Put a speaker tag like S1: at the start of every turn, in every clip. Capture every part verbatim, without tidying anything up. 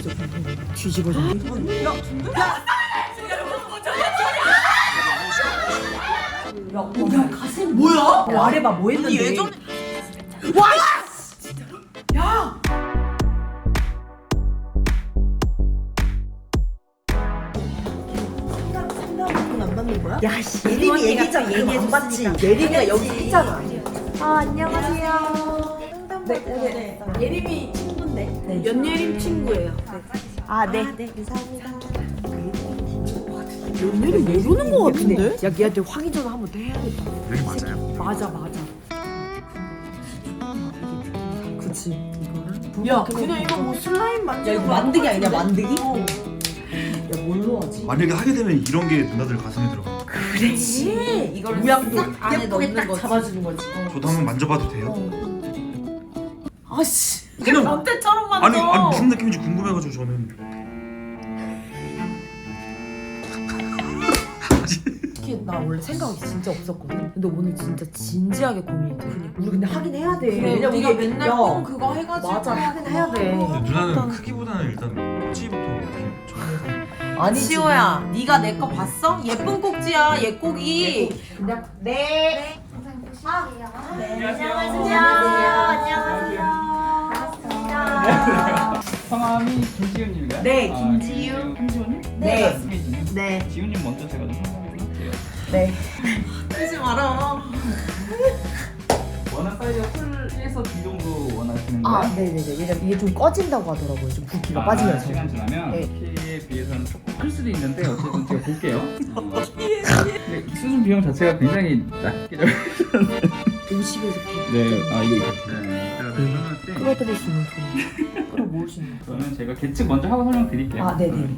S1: 뒤집어져. 뒤집어져. 야, 야, 야, 야, 가슴 뭐야? 말해봐, 뭐 했는데? 예전에 와, 진짜로? 야. 안 받는 거야? 야, 씨, 예림이 얘기했잖아. 얘기해서 받지. 예림이가 여기 있잖아.
S2: 아, 안녕하세요.
S1: 네, 네, 네.
S2: 예림이 친구인데.
S1: 네.
S2: 연예림 친구예요.
S1: 아, 네.
S2: 아, 네, 감사합니다.
S1: 연예림 모르는 거 같은데? 야, 얘한테 확인 전화 한 번 더 해야겠다.
S3: 여기 맞아요?
S1: 맞아, 맞아. 그치. 이거는?
S2: 야, 그냥 이거 뭐 슬라임 만지는
S1: 야, 이거
S2: 거
S1: 만드기 아니냐,
S2: 같은데?
S1: 만드기?
S2: 어.
S1: 야, 뭘로 하지?
S3: 만약에 하게 되면 이런 게 누나들 가슴에 들어가.
S1: 그렇지.
S2: 이걸
S1: 모양도
S2: 싹 안에
S1: 예쁘게
S2: 넣는
S1: 딱
S2: 거지.
S1: 잡아주는 거지.
S3: 저도 한번 만져봐도 돼요?
S2: 아씨.
S3: 그냥-
S2: 변태처럼 만져.
S3: 아니, 아니 무슨 느낌인지 궁금해가지고 저는.
S1: 특히 나 원래 생각이 진짜 없었거든. 근데 오늘 진짜 진지하게 고민이 돼. 우리 근데 하긴 해야 돼.
S2: 그래,
S1: 왜냐면
S2: 우리가
S1: 이게-
S2: 맨날
S1: 야,
S2: 뽕 그거 해가지고.
S1: 맞아, 하긴 해야 돼.
S3: 근데 누나는 크기보다는 일단 꼭지부터 어떻게 좀.
S1: 아니,
S2: 시호야, 네가 내 거 봤어? 예쁜 꼭지야, 얘 꼭이.
S1: 그냥 네.
S4: 영상 보실게요.
S2: 네.
S4: 안녕하세요.
S2: 안녕하세요.
S4: 반갑습니다.
S5: 성함이 김지훈님인가요?
S1: 네,
S5: 아,
S1: 김지훈.
S5: 김지훈님?
S1: 네.
S5: 맞습니다.
S1: 네.
S5: 지훈님 먼저 제가 좀 설명을 할게요.
S1: 네.
S2: 하지 마라.
S5: 원한 사이즈가 풀에서 D 정도 원하시는 거예요?
S1: 아, 네네네. 왜냐면 이게 좀 꺼진다고 하더라고요. 좀 붓기가
S5: 아,
S1: 빠지면서.
S5: 시간 지나면
S1: 네.
S5: 키에 비해서는 조금 클 수도 있는데 어쨌든 제가 볼게요. 근데 수준 비용 자체가 굉장히 낮게
S1: 오십에서 백.
S5: 네, 아 이거 네, 제가 설명할 때
S1: 끌어들일 수 있는 돈. 끌어모을 수 있는 돈.
S5: 저는 제가 계측 먼저 하고 설명드릴게요.
S1: 아, 네네.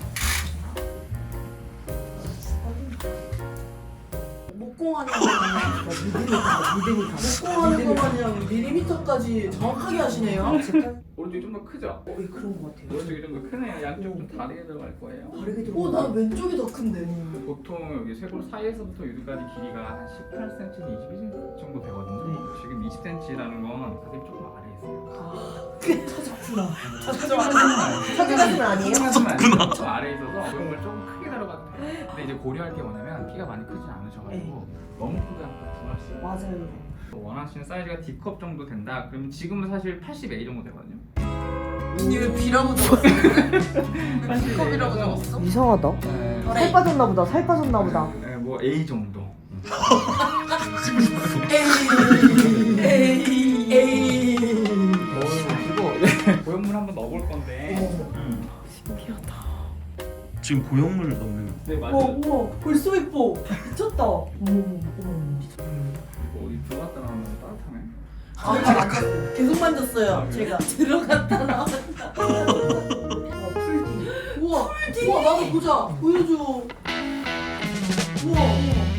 S2: 목공하는 거 마냥.
S1: 믿으니까, 믿으니까.
S2: 목공하는 거 마냥 밀리미터까지 정확하게 하시네요.
S5: 오른쪽이 좀 더 크죠?
S1: 어, 예, 그런 것 같아요.
S5: 오른쪽이 좀 더 크네요. 양쪽 좀 다르게 들어갈 거예요.
S1: 다르게 들어.
S2: 어, 난 왼쪽이 더 큰데.
S5: 보통 여기 쇄골 사이에서부터 여기까지 길이가 한 십팔 센티미터, 이십일 센티미터 정도 되거든요. 지금 이십 센티미터라는 건 가슴이 조금 아래에 있어요.
S1: 찾았구나.
S5: 찾아가시면
S1: 찾아가시면 아니에요?
S5: 찾아가시면 좀 아래에 있어서 그런 걸 조금 크게 들어가도 돼요. 근데 이제 고려할 게 뭐냐면 키가 많이 크진 않으셔가지고 너무 크게 하면 부담스러워요.
S1: 맞아요.
S5: 원하시는 사이즈가 D컵 정도 된다. 그러면 지금은 사실 팔십 에이 정도 되거든요.
S2: 언니 왜 B라고 적었어? 컵이라고 적었어?
S1: 이상하다.
S5: 네,
S1: 살 빠졌나 보다. 살 빠졌나 보다.
S5: 네, 뭐 A 정도.
S2: 에이, 에이, 에이.
S5: 보시고 고형물 한번 넣어볼 건데. 음.
S3: 지금 고형물 넣는.
S5: 네 맞아요.
S2: 우와, 우와, 벌써 예뻐. 미쳤다.
S1: 어머, 어머, 어머.
S5: 뭐 어디 들어갔다 나오면 따뜻하네.
S2: 아, 만졌, 계속 만졌어요. 제가 들어갔다 나왔다.
S1: 어, 풀디.
S2: 우와, 우와, 나도 보자. 보여줘. 우와.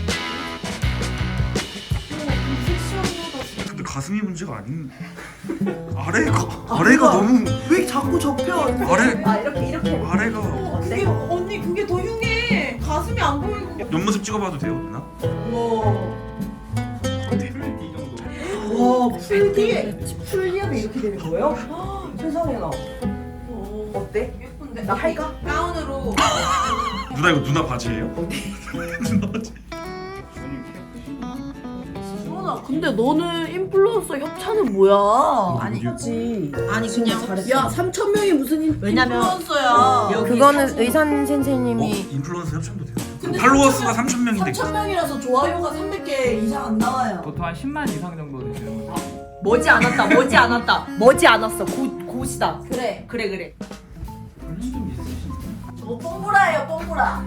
S3: 근데 가슴이 문제가 아닌. 아래가 아래가 너무
S2: 왜 자꾸 접혀?
S3: 아래
S1: 아, 이렇게, 이렇게.
S3: 아래가.
S2: 어, 그게 언니 그게 더 흉해. 가슴이 안 보이고.
S3: 옆모습 찍어봐도 돼요, 누나?
S2: 우와.
S5: 풀 D 정도.
S2: 와,
S1: 풀디. 풀디하면 이렇게 되는 거예요? 세상에 나.
S2: 어,
S1: 어때?
S2: 예쁜데?
S1: 나 할까?
S2: 가운으로.
S3: 누나 이거 누나 바지예요?
S5: 주원님 키가 크시구나.
S2: 수원아, 근데 너는 인플루언서 협찬은 뭐야?
S1: 아니, 하지.
S2: 아니
S1: 진짜
S2: 그냥
S1: 잘했어.
S2: 야 삼천 명이 무슨 인,
S1: 왜냐면
S2: 인플루언서야.
S1: 여기
S6: 그거는
S1: 사진-
S6: 의산
S3: 어?
S6: 선생님이
S3: 인플루언서 협찬도 돼요?
S2: 근데
S3: 팔로워스가 삼천 명인데.
S2: 삼천 명이라서 좋아요가 삼백 개 이상 안 나와요.
S5: 보통 한 십만 이상 정도 되시는 거죠.
S1: 머지 않았다. 머지 않았다. 머지 않았어. 고 고시다.
S2: 그래.
S1: 그래 그래.
S5: 볼륨 좀 있으신가요?
S2: 저거 뽕보라예요, 뽕보라.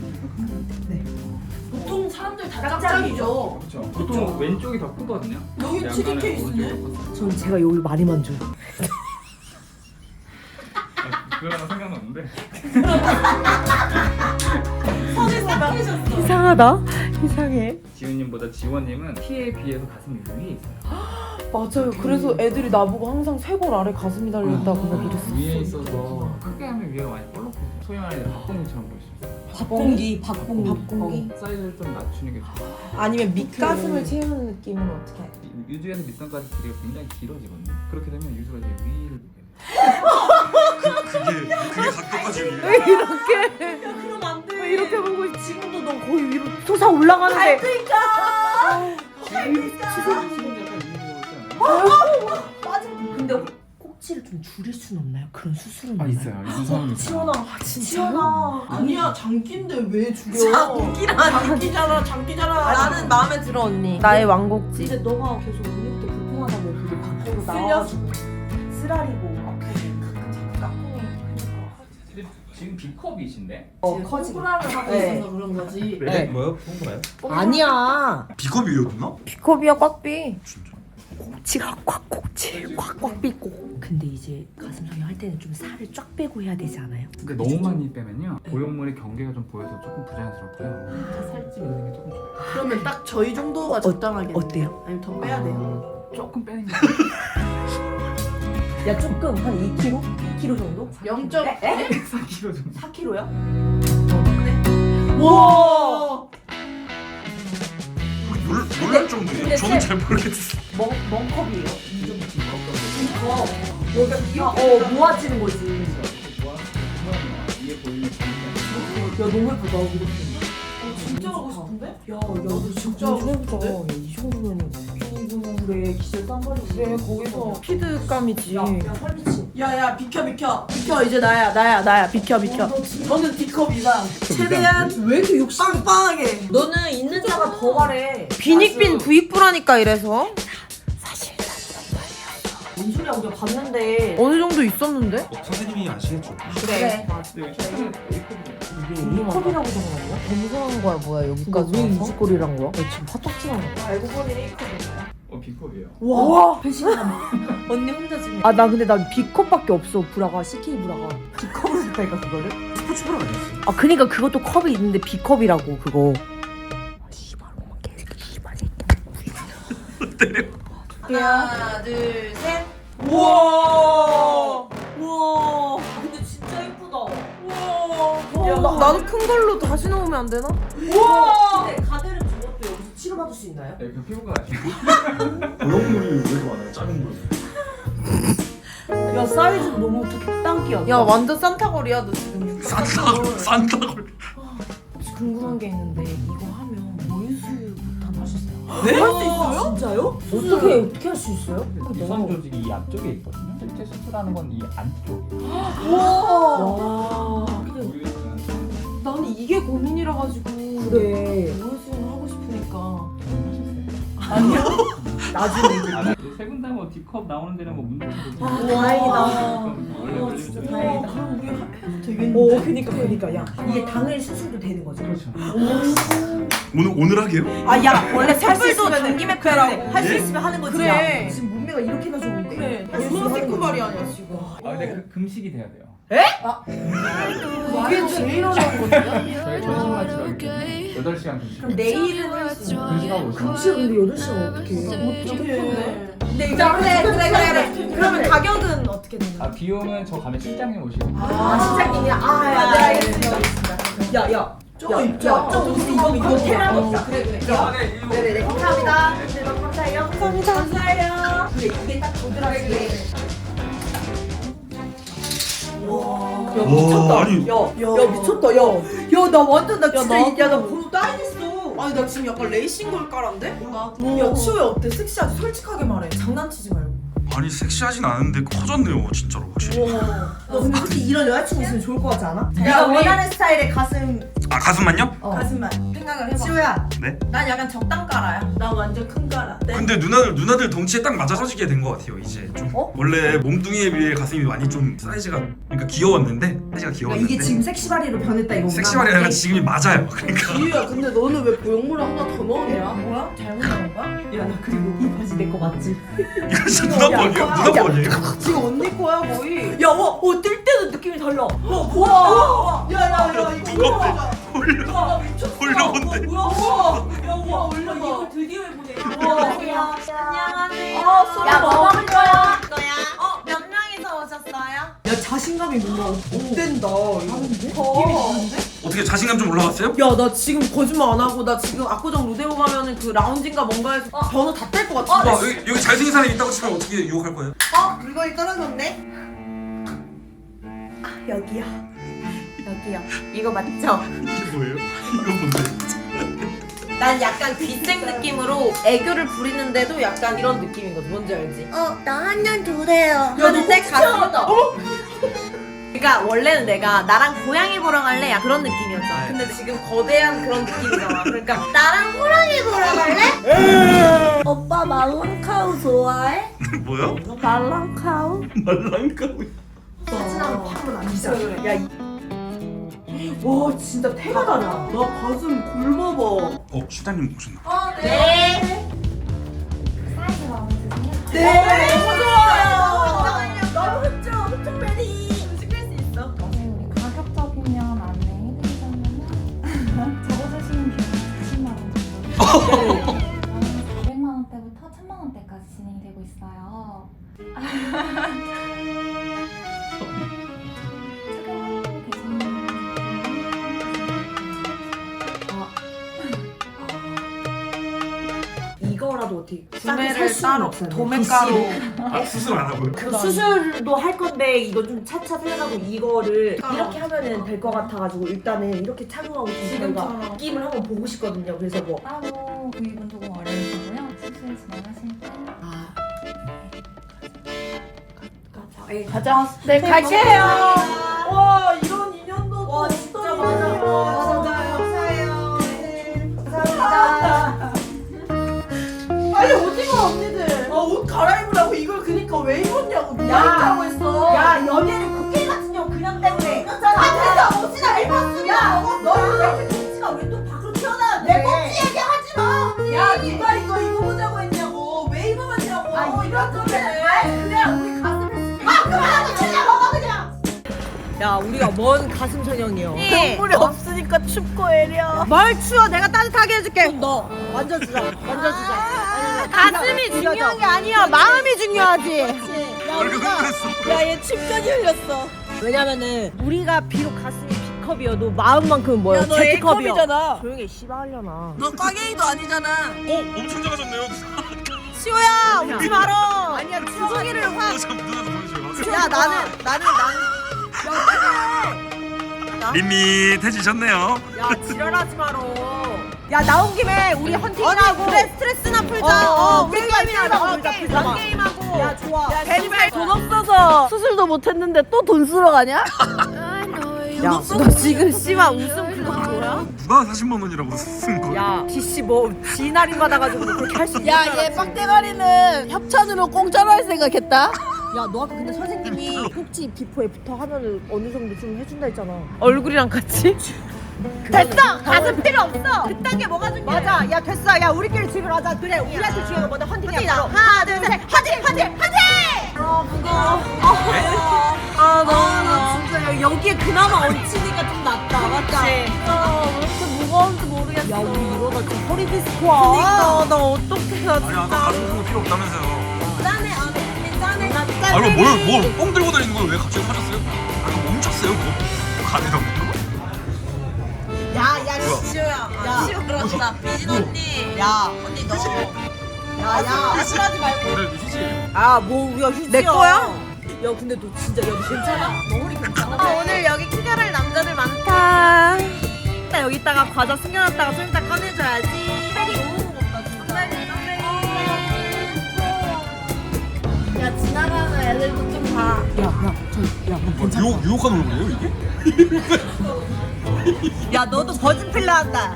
S2: 보통 사람들 다 짝짝이죠.
S5: 그렇죠. 보통 왼쪽이 더 크거든요.
S2: 여기
S5: 약간은
S2: 튀긴 케이스네.
S5: 오른쪽이 더 컸어요.
S1: 전 제가 여기 많이 만져.
S5: 아, 그거랑은 상관없는데.
S2: 선에 싹 끼셨어.
S1: 이상하다. 이상해.
S5: 지훈님보다 지원님은 키에 비해서 가슴이 위에 있어요.
S6: 맞아요. 그래서 애들이 나보고 항상 쇄골 아래 가슴이 달렸다고 막
S5: 위에
S6: 이랬었어.
S5: 있어서 크게 하면 위가 많이 볼록해요. 소위 말하는 박공기처럼 보일 수 있어요.
S1: 박공기, 박공기.
S6: 박공기?
S5: 어, 사이즈를 좀 낮추는 게 좋아요.
S6: 아니면 밑가슴을 채우는 느낌은 어떻게 할까?
S5: 이- 유주에서 밑선까지 길이가 굉장히 길어지거든요. 그렇게 되면 유주가 이제 위를 보게 돼요.
S3: 그게
S6: 이렇게
S1: 야 그럼 안 돼.
S6: 왜 이렇게 보고 있- 지금도 너 거의 위로 솟아 올라가는데
S1: 밟을까?
S5: 지금 약간 이런 거 있잖아요.
S1: 맞아. 근데 꼭지를 좀 줄일 순 없나요? 그런 수술은
S5: 아
S1: 없나요?
S5: 있어요. 유선이
S1: 지원아, 지원아.
S2: 아니야 장기인데 왜 죽여?
S1: 장기라니.
S2: 장기잖아 장기잖아.
S1: 나는 마음에 들어 언니.
S6: 나의 왕곡지.
S1: 근데 너가 계속 언니부터 불편하다고 그게 밖으로 나와가지고 쓰라리고 아프고 가끔 자꾸 깎고 그러니까.
S5: 지금 B컵이신데?
S1: 어 커지.
S2: 호라를 하고
S1: 네.
S2: 있어서 그런 거지.
S3: 네. 뭐요? 좋은 거예요?
S1: 아니야.
S3: 비겁이었나?
S6: 비컵이야 꽉비.
S3: 진짜.
S1: 꼭지가 꽉 꼭지 꽉꽉 삐고. 근데 이제 가슴 성형 할 때는 좀 살을 쫙 빼고 해야 되지 않아요?
S5: 근데 너무 많이 빼면요 보형물의 경계가 좀 보여서 조금 부자연스럽고요. 살집 있는 게 조금 좋아요.
S2: 그러면 딱 저희 정도가 적당하겠네.
S1: 어때요?
S2: 아니면 더 빼야 돼요.
S5: 조금 빼는 게
S1: 야 조금 한 이 킬로그램? 이 킬로그램 정도?
S2: 영 점
S1: 에?
S5: 사 킬로그램 정도.
S1: 사 킬로그램이야?
S2: 와.
S3: 놀, 놀랄 정도예요?
S1: 근데
S3: 저는
S1: 세-
S3: 잘 모르겠어요.
S1: 멍, 멍컵이에요. 이 정도. 여기가 이렇게 어 모아지는 거지.
S5: 위에 보이는
S1: 야 너무 예쁘다. 이렇게.
S2: 진짜 하고 싶은데?
S1: 야, 야, 너 진짜
S6: 너무
S1: 예쁘다.
S6: 예쁘다.
S1: 야, 이 정도면 그래 기절 쌍발이.
S6: 그래 거기서 피드감이지.
S1: 야, 야 살미치.
S2: 야야 비켜 비켜 비켜 이제 나야 나야 나야 비켜 비켜. 너는 D컵 이상. 최대한
S1: 왜 이렇게 욕심?
S2: 빵빵하게.
S1: 너는 있는 자가 더 말해.
S6: 비닉빈 부익부라니까 이래서
S1: 뭔 소리야? 우리가 봤는데.
S6: 어느 정도 있었는데?
S3: 어, 선생님이 아시겠죠?
S1: 그래.
S5: 근데 여기 최근에 A컵이에요.
S6: 이게
S1: 컵이라고 적어놓은 거야?
S6: 검사한 거야 뭐야 여기까지
S1: 왜
S6: 와서?
S1: 이짓거리란 거야? 야, 지금 화딱지나는 거야.
S2: 알고 보니 A컵이야.
S5: 어 B컵이에요.
S1: 와, 배신감. 언니 혼자 지금.
S6: 아 나 근데 난 B컵밖에 없어 브라가 씨케이 브라가.
S1: B컵으로 샀다니까 그거를?
S3: 스포츠 브라 아니었어요?
S6: 아 그니까 그것도 컵이 있는데 B컵이라고 그거. 씨발 엄마 개새끼 씨발 새끼.
S1: 하나, 둘, 셋.
S2: 우와.
S1: 우와. 근데 진짜 예쁘다.
S2: 우와.
S6: 야, 나, 나도 큰 걸로 다시 넣으면 안 되나?
S2: 우와.
S1: 근데 가드를 저것도 여기서 치료받을 수 있나요?
S5: 네, 그 피부과 가시고
S3: 보형물이 왜 이렇게 많아요? 작은 거.
S1: 야 사이즈도 너무 적당기야.
S6: 야 완전 산타걸이야 너 지금.
S3: 산다걸 산다걸.
S6: 혹시 궁금한 게 있는데 이거 하면 모유수유 못하나 하셨어요?
S1: 네? 할 수 있어요? 진짜요? 어떻게 어떻게 할 수 있어요?
S5: 유선 조직이 이 앞쪽에 있거든요. 실제 수술하는 건 이 안쪽이에요.
S1: 와. 근데
S5: 모르겠어요.
S6: 나는 이게 고민이라 가지고
S1: 그래.
S6: 모유수유를 하고 싶으니까.
S1: 아니요. 나중에.
S5: 아, 세분 다 뭐 D컵 나오는 데는 뭐 문제 없어요.
S1: 아, 다행이다.
S5: 원래
S1: 와,
S5: 걸리면
S1: 진짜
S5: 돼요.
S1: 다행이다.
S2: 그럼 우리 합해도 되겠는데.
S1: 오, 그니까 그니까 야 이게 당일 수술도 되는 거죠?
S5: 그렇죠.
S3: 오늘 오늘 하게요?
S1: 아 야 원래 살불도
S6: 있으면은-
S1: 당김에 빼라고 할 수
S3: 예?
S1: 있으면 하는 거지.
S6: 그래.
S1: 야, 지금 몸매가 이렇게나 좋은데.
S2: 그래.
S1: 할수 있으면
S2: 얼마나
S1: 하는 거지.
S2: 새끈발이 아니야 지금.
S5: 아 근데 그 금식이 돼야 돼요.
S6: 이게 제일 어려운 거거든요.
S5: 저희 전신마 치료하기 때문에 여덟 시간 금식.
S1: 그럼 내일은 할 수 있는.
S5: 금식하고 오시면
S1: 금식 근데 여덟 시간 어떻게 해?
S2: 어떡해.
S1: 근데 이거 그래 그래 그래 그래. 그러면 가격은 어떻게 되는 거야?
S5: 아 비용은 저 가면 실장님 오시고.
S1: 아 실장님이 아야 네 알겠습니다. 야야
S2: 저거 입자.
S1: 좀 이거 이거 테라 먹자.
S2: 그래 그래.
S1: 네네네 감사합니다. 네 너무 감사해요. 감사합니다. 감사해요. 그래 이게 딱 도드라지게. 와. 야 미쳤다.
S3: 와, 아니.
S1: 야, 야 미쳤다. 야, 야 나 완전 나 진짜
S2: 나-
S1: 야나 번호 따이겠어.
S2: 아니 나 지금 약간 레이싱 걸 깔았는데? 뭔가.
S1: 야 치호야 어때? 섹시하지? 솔직하게 말해. 장난치지 말고.
S3: 아니 섹시하진 않은데 커졌네요 진짜로 확실히.
S1: 너 근데 솔직히 이런 여자친구 있으면 좋을 것 같지 않아?
S2: 야,
S1: 내가
S2: 우리-
S1: 원하는 스타일의 가슴.
S3: 아 가슴만요?
S1: 어.
S2: 가슴만 생각을 해봐.
S1: 치호야.
S3: 네?
S2: 난 약간 적당 깔아야. 나 완전 큰 깔아. 네.
S3: 근데 누나들 누나들 덩치에 딱 맞아서지게 된 것 같아요 이제 좀.
S1: 어?
S3: 원래 몸뚱이에 비해 가슴이 많이 좀 사이즈가 그러니까 귀여웠는데 사이즈가
S1: 그러니까
S3: 귀여웠는데
S1: 이게 지금 섹시바리로 변했다 이거구나.
S3: 섹시발이 아니라 지금이 맞아요. 그러니까
S2: 지유야 근데 너는 왜 보형물을 하나 더 넣었냐?
S1: 뭐야? 잘못 나온 거야? 야 나 그리고 이 바지 내 거 맞지?
S3: 이거 진짜 누나
S1: 야,
S3: 번이에요?
S1: 야,
S3: 누나
S1: 야.
S3: 번이에요?
S2: 지금 언니 거야 거의.
S1: 야, 와, 어, 뜰 때도 느낌이 달라. 와,
S2: 우와. 야야야 이거
S3: 두껍대.
S2: 올라가자.
S3: 올려
S2: 와 미쳤어.
S3: 올려본대.
S2: 뭐야? 우와. 야 우와 올려
S1: 이걸
S2: 이거.
S1: 드디어 해보네.
S4: 안녕하세요. 안녕하세요.
S1: 아, 소리
S4: 야, 뭐
S1: 봐.
S4: 먹을 거야? 거야? 어, 몇 명이서 오셨어요?
S1: 야, 자신감이 뭔가 없댄다.
S2: 느낌이
S1: 어.
S2: 좋은데?
S3: 어떻게 자신감 좀 올라갔어요?
S2: 야 나 지금 거짓말 안 하고 나 지금 압구정 로데오 가면은 그 라운지인가 뭔가에서 번호 다 뗄 것 같은데.
S3: 와 여기, 여기 잘생긴 사람이 있다고 치면 어떻게 유혹할 거예요?
S2: 어 물건이 떨어졌네.
S1: 아, 여기야.
S4: 여기요. 이거 맞죠?
S3: 이게 뭐예요? 이거 뭔데?
S4: 난 약간 귀생 느낌으로 애교를 부리는데도 약간 이런 느낌이거든. 뭔지 알지?
S6: 어, 나 한 년 주세요.
S4: 하는데 가슴이 떠. 그러니까 원래는 내가 나랑 고양이 보러 갈래? 야 그런 느낌이었잖아. 근데 지금 거대한 그런 느낌이잖아. 그러니까 나랑 호랑이 보러 갈래?
S6: 오빠 말랑카우 좋아해?
S3: 뭐야?
S6: 말랑카우?
S3: 말랑카우.
S2: 사진하고 파면 안 되잖아. 야, 이... 와 진짜 태가 달라. 너 가슴 굶어봐.
S3: 어, 시장님 오셨나?
S4: 네.
S7: 사이즈 마음에 드세요?
S2: 네, 너무 좋아요.
S4: 너무 흡족, 흡족베리. 시킬 수 있어.
S7: 네, 우리 가격적이면 안내해드리자면 적어주시는 비용은 사십만 원 정도. 사백만 원대부터 천만 원대까지 진행이 되고 있어요. 착용하고 계시는
S2: 이거라도 어떻게
S1: 구매를 따로
S2: 도매가로.
S3: 아, 수술 안 하고요?
S2: 그 수술도 할 건데 이거 좀 차차 생각하고 이거를 이렇게 하면은 될 것 같아가지고 일단은 이렇게 착용하고 좀 저희가
S4: 지금처럼.
S2: 느낌을 한번 보고 싶거든요. 그래서 뭐
S7: 따로 구입은 조금 어려우시고요. 수술 진행하실 때
S2: 아,
S6: 가자.
S2: 네 갈게요. 와 이런 인연도
S4: 와
S2: 또
S4: 진짜
S2: 어떤
S4: 맞아.
S2: 인연이야.
S4: 와 진짜 감사해요. 네. 감사합니다.
S2: 빨리 오징어 언니들. 어, 옷 갈아입으라고 이걸 그니까 왜 입었냐고 미안하다고 했어. 야 연예인 국회 같은 년 그냥 때문에. 아 그래서 옷이나 왜 입었으면. 야 너는 왜 이렇게 꼭지가 왜 또 밖으로 튀어나왔는데. 내 꼭지 얘기하지 마. 야 누가 이거 입어보자고 했냐고. 왜 입어봤냐고. 아 이런 거래. 그냥 우리 가슴을. 아 그만하고 그냥 먹어 그냥.
S6: 야, 우리가 뭔 가슴 천연이요.
S4: 네.
S6: 물이 없으니까 춥고 애려. 뭘 추워? 내가 따뜻하게 해줄게. 너 만져주자. 만져주자. 가슴이 중요한 게 아니야. 마음이 중요하지.
S3: 얼굴 흘렸어.
S6: 야, 얘 침까지 흘렸어. 왜냐면은 우리가 비록 가슴이 B컵이어도 마음만큼은 뭐야? Z컵이야. 조용히 해, 씨발려나.
S2: 너 꽈게이도 아니잖아.
S3: 어, 엄청 작아졌네요.
S6: 시호야, 웃지 말어. 아니야, 주둥이를 확.
S3: 어, 잠깐 누나도 보여줘요.
S6: 야, 나는 나는 나는.
S3: 밋밋해지셨네요.
S6: 야, 지랄하지 마라. 야, 나온 김에 우리 헌팅하고 그래, 스트레스나 풀자. 어, 우리 게임이나 풀자. 풀자. 게임하고. 야, 좋아. 야, 제발 돈 없어서 수술도 못 했는데 또 돈 쓰러 가냐? 야, 너 지금 씨발 웃음 그거 뭐야?
S3: 누가 사십만 원이라고 쓴 거예요?
S6: 야, 디씨 뭐 지날인 받아가지고 그렇게 할 수 있는
S2: 야 얘 빡대가리는 협찬으로 공짜로 할 생각했다.
S6: 야, 너 아까 근데 선생님이 꼭지 비포 애프터 하면은 어느 정도 좀 해준다 했잖아. 얼굴이랑 같이? 됐어! 가슴 필요 없어! 그딴 게 뭐가 중요해? 맞아. 야, 됐어. 야, 우리끼리 집을 하자. 그래, 우리한테 중요한 건 뭐다? 헌팅이야. 바로. 하나, 둘, 셋. 헌팅! 헌팅! 헌팅! 아, 무거워. 아, 너무 진짜 야, 여기에 그나마 얹히니까 좀 낫다. 맞지? 아, 왜 이렇게 무거운지 모르겠어. 야, 우리 이러다 지금 허리 디스코야. 그니까, 나 어떡해, 나
S3: 아니, 아까 가슴 푸는 필요 없다면서요.
S4: 짠해 안 해. 짠해.
S3: 아, 이거 뭘, 뭘, 뽕 들고 다니는 걸 왜 갑자기 사셨어요? 아까 멈췄어요, 그거? 가네라고.
S4: 야야 시우야. 야 시우 그렇다. 미진 언니. 야 언니 너. 야야 싫어하지 말고.
S3: 그래, 휴지예요.
S6: 아, 뭐 우리가 휴지야.
S4: 내 거야?
S6: 야, 근데 너 진짜 야, 너 괜찮아?
S4: 너 허리 괜찮아?
S6: 아, 오늘 여기 킹가를 남자들 많다. 일단 여기다가 과자 숨겨놨다가 좀 이따 꺼내줘야지.
S4: 이 너무 무겁다 진짜.
S6: 야, 지나가는 애들도 좀 봐. 야, 야, 저, 야,
S3: 뭐, 유혹, 유혹하는 얼굴이에요, 이게?
S6: 야, 너도 버진 필러 한다.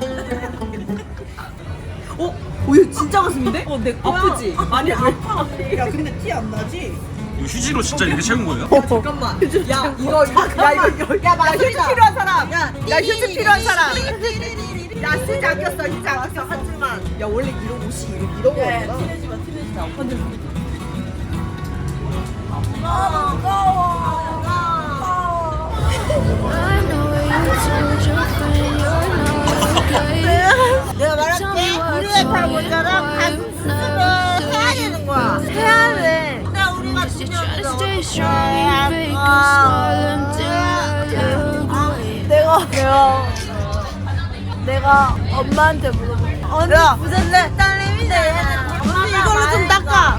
S6: 어? 어, 얘 진짜 가슴인데? 어, 내 거야. 아프지? 아니, 아파.
S2: 야 근데 티 안 나지?
S3: 이거 휴지로 진짜 이렇게 채운 거예요?
S6: 잠깐만. 야, 이거, 이거, 야, 이거, 야, 야, 휴지 필요한 사람. 야, 야, 휴지 필요한 사람. 야, 휴지 안 꼈어, 휴지 안 꼈어, 한 줄만. 야, 원래 이런 옷이 이런, 이런 거였구나.
S2: 티내지 마 티내지 마.
S6: 아, 내가 말할게. 우리가 다 모자라 가슴 수술을 해야 되는 거야. 해야 돼. 근데 우리가 중요했어. 내가 내가 내가 엄마한테 물어볼게. 언니 무슨 딸내미인데 언니 이걸로 좀 닦아.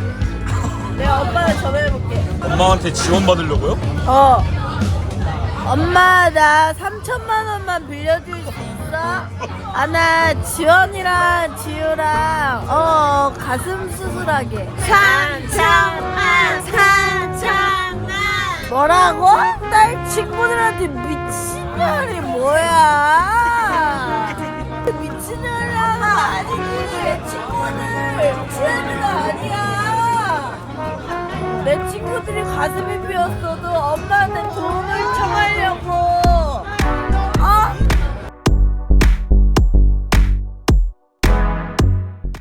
S6: 내가 엄마한테 전화해볼게.
S3: 엄마한테 지원 받으려고요?
S6: 어. 엄마 나 삼천만 원만 빌려줄 수 있어? 아 나 지원이랑 지우랑 어 가슴 수술하게 삼천만 삼천만 뭐라고? 딸 친구들한테 미친년이 뭐야 미친년이라는 아니지 내 친구들 미친년이 아니야 내 친구들이 가슴이 비었어도 엄마한테 도움을 청하려고